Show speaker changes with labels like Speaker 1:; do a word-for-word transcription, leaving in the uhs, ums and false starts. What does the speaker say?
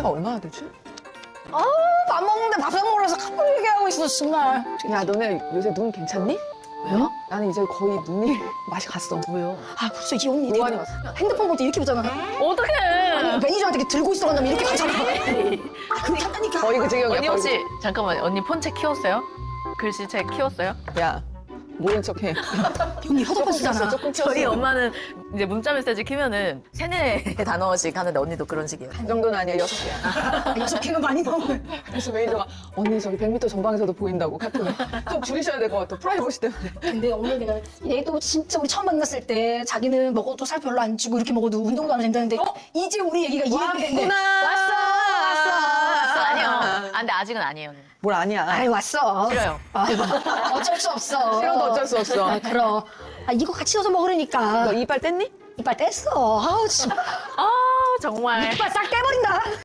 Speaker 1: 나이가 얼마나 되지?
Speaker 2: 아우, 밥 먹는데 밥상 먹으면서 카풀 얘기하고 있어, 정말.
Speaker 1: 야, 너네 요새 눈 괜찮니?
Speaker 2: 왜요?
Speaker 1: 나는 이제 거의 눈이 맛이 갔어.
Speaker 3: 왜요?
Speaker 2: 아, 벌써 이 언니
Speaker 1: 노안이
Speaker 2: 되게
Speaker 1: 왔어.
Speaker 2: 핸드폰 볼 때 이렇게 보잖아.
Speaker 3: 어떡해.
Speaker 2: 매니저한테 이렇게 들고 있어 간다면 이렇게 가잖아. 아, 그렇게 한다니까.
Speaker 1: 거의 그 지경이야.
Speaker 3: 언니
Speaker 1: 거의
Speaker 3: 혹시 잠깐만 언니 폰책 키웠어요? 글씨책 키웠어요?
Speaker 1: 그- 야, 모른 척해.
Speaker 2: 언니 허접한 쓰잖아.
Speaker 1: 조금 키웠어.
Speaker 3: 저희 엄마는 이제 문자 메시지 키면은 세네 단어씩 하는데 언니도 그런 식이에요.
Speaker 1: 그 정도는 아니야, 여섯 개야.
Speaker 2: 아, 여섯 개는 많이 넘어요.
Speaker 1: 그래서 매니저가 언니 저기 백 미터 전방에서도 보인다고 카톡에 좀 줄이셔야 될 것 같아. 프라이버시 때문에.
Speaker 2: 근데 오늘 내가 얘도 진짜 우리 처음 만났을 때 자기는 먹어도 살 별로 안 찌고 이렇게 먹어도 운동도 안 된다는데 이제 우리 얘기가 이해가 됐네.
Speaker 1: 왔어, 왔어,
Speaker 3: 아, 아니요. 아, 근데 아직은 아니에요. 언니.
Speaker 1: 뭘 아니야.
Speaker 2: 아이 왔어.
Speaker 3: 싫어요.
Speaker 2: 아, 어쩔 수 없어.
Speaker 1: 싫어도 어쩔 수 없어.
Speaker 2: 아, 그럼. 아, 이거 같이 넣어서 먹으려니까.
Speaker 1: 너 이빨 뗐니?
Speaker 2: 이빨 뗐어. 아우, 진짜.
Speaker 3: 아 정말.
Speaker 2: 이빨 싹 떼버린다.